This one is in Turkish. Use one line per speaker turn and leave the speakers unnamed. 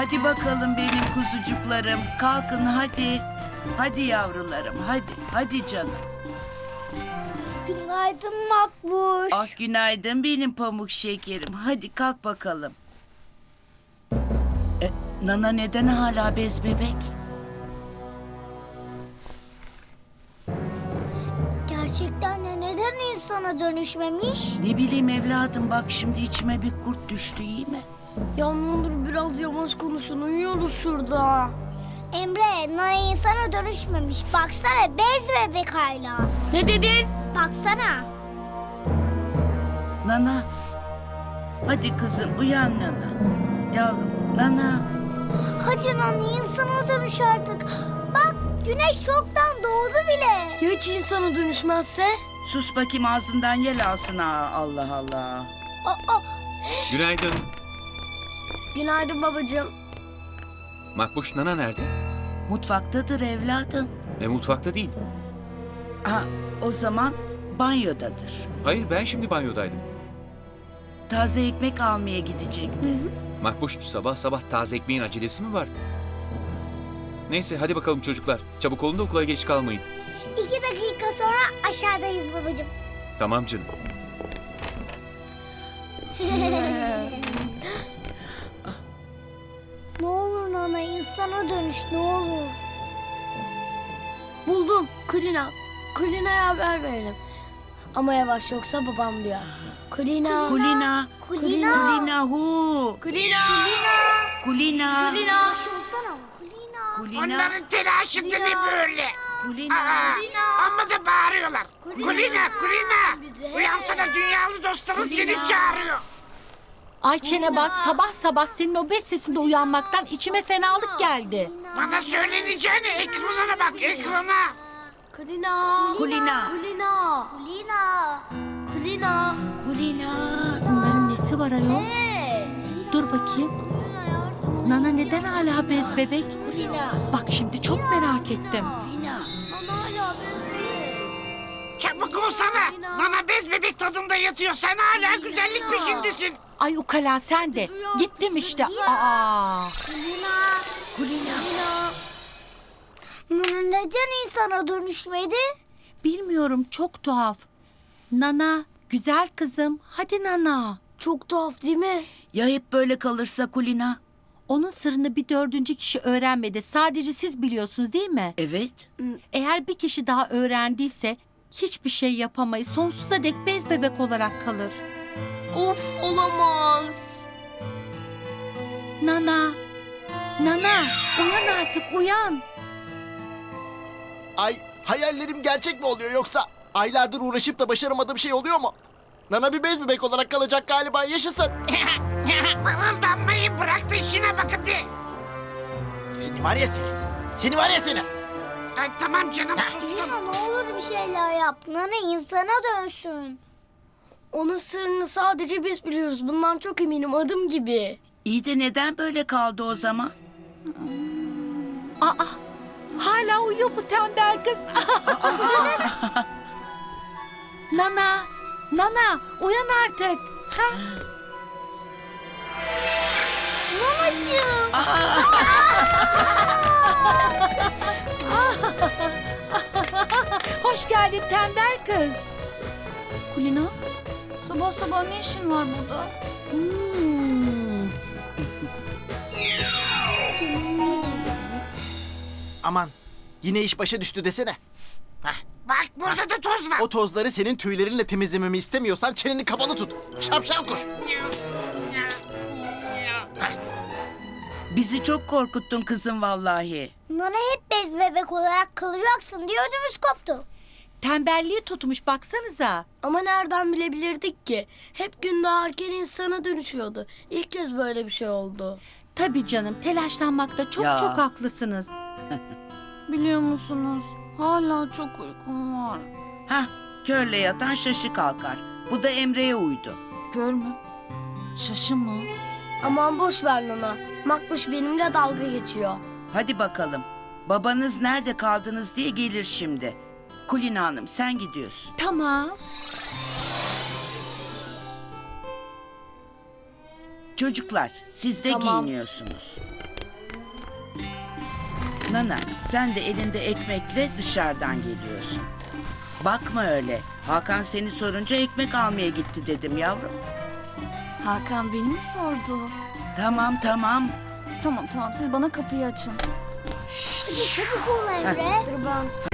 Hadi bakalım benim kuzucuklarım. Kalkın hadi. Hadi yavrularım hadi. Hadi canım.
Günaydın Makbuş.
Ah günaydın benim pamuk şekerim. Hadi kalk bakalım. Nana neden hala bez bebek?
Gerçekten de neden insana dönüşmemiş?
Ne bileyim evladım bak şimdi içime bir kurt düştü iyi mi?
Ya ne olur biraz yavaş konuşun, uyuyoruz şurada.
Emre, Nana insana dönüşmemiş. Baksana bez bebek hala.
Ne dedin?
Baksana.
Nana. Hadi kızım uyan Nana. Yavrum Nana.
Hadi Nana insana dönüş artık. Bak güneş çoktan doğdu bile.
Ya hiç insana dönüşmezse?
Sus bakayım ağzından yel alsın ha Allah Allah.
Aa,
Günaydın.
Günaydın babacığım.
Makbuş Nana nerede?
Mutfaktadır evladım.
Mutfakta değil.
Ha o zaman banyodadır.
Hayır ben şimdi banyodaydım.
Taze ekmek almaya gidecekti.
Makbuş sabah sabah taze ekmeğin acelesi mi var? Neyse hadi bakalım çocuklar. Çabuk olun da okula geç kalmayın.
2 dakika sonra aşağıdayız babacığım.
Tamam canım.
Ne olur Nana insana dönüş ne olur.
Buldum. Kulina. Kulina'ya haber verelim. Ama yavaş yoksa babam duyar. Kulina.
Kulina.
Kulina.
Kulina hu.
Kulina.
Kulina.
Kulina.
Yavaş olsana. Kulina.
Kulina.
Onların telaşında ne böyle?
Kulina.
Amma da bağırıyorlar. Kulina, Kulina. Uyansana dünyalı dostların seni çağırıyor.
Ay çene bas, sabah sabah senin o bez sesinde uyanmaktan içime fenalık geldi.
Bana söyleneceğini ekranına bak, ekrana.
Kulina.
Kulina.
Kulina.
Kulina.
Kulina.
Kulina.
Bunların nesi var ayol?
Hey.
Dur bakayım. Nana neden hala bez bebek? Bak şimdi çok merak ettim.
Çabuk olsana. Bana bez bebek tadında yatıyor. Sen hala güzellik peşindesin.
Ay ukala sen de. Gittim işte. Aa.
Kulina. Nana neden insana dönüşmedi?
Bilmiyorum çok tuhaf. Nana, güzel kızım. Hadi Nana.
Çok tuhaf değil mi?
Ya hep böyle kalırsa Kulina?
Onun sırrını bir 4. kişi öğrenmedi. Sadece siz biliyorsunuz değil mi?
Evet.
Eğer bir kişi daha öğrendiyse hiçbir şey yapamayız. Sonsuza dek bez bebek olarak kalır.
Of olamaz.
Nana, Nana uyan artık uyan.
Ay hayallerim gerçek mi oluyor yoksa aylardır uğraşıp da başaramadığım şey oluyor mu? Nana bir bez bebek olarak kalacak galiba yaşasın.
Mırıldanmayı bırak da işine bak hadi.
Seni var ya seni. Seni var ya seni.
Ay, tamam canım
Kulina
sustum.
ne olur bir şeyler yap. Nana insana dönsün.
Onun sırrını sadece biz biliyoruz. Bundan çok eminim, adım gibi.
İyi de neden böyle kaldı o zaman?
Aa, hala uyuyor bu tembel kız. Nana, Nana uyan artık. Ha?
Nanacığım.
Hoş geldin tembel kız.
Kulina, sabah sabah ne işin var burada?
Canım benim.
Aman yine iş başa düştü desene.
Bak burada da toz var.
O tozları senin tüylerinle temizlememi istemiyorsan çeneni kapalı tut. Şapşal kuş.
Bizi çok korkuttun kızım vallahi.
Nana hep bez bebek olarak kalacaksın diye ödümüz koptu.
Tembelliği tutmuş baksanıza.
Ama nereden bilebilirdik ki? Hep gün doğarken insana dönüşüyordu. İlk kez böyle bir şey oldu.
Tabii canım telaşlanmakta çok
Ya.
çok haklısınız.
Biliyor musunuz? Hala çok uykum var.
Hah körle yatan şaşı kalkar. Bu da Emre'ye uydu.
Kör mü? Şaşı mı? Aman boş ver Nana. Makbuş benimle dalga geçiyor.
Hadi bakalım. Babanız nerede kaldınız diye gelir şimdi. Kulina Hanım sen gidiyorsun.
Tamam.
Çocuklar siz de
Tamam.
giyiniyorsunuz. Nana, sen de elinde ekmekle dışarıdan geliyorsun. Bakma öyle. Hakan seni sorunca ekmek almaya gitti dedim yavrum.
Hakan beni mi sordu?
Tamam tamam.
Tamam siz bana kapıyı açın.
Hadi çabuk ol Emre.
Dur ben.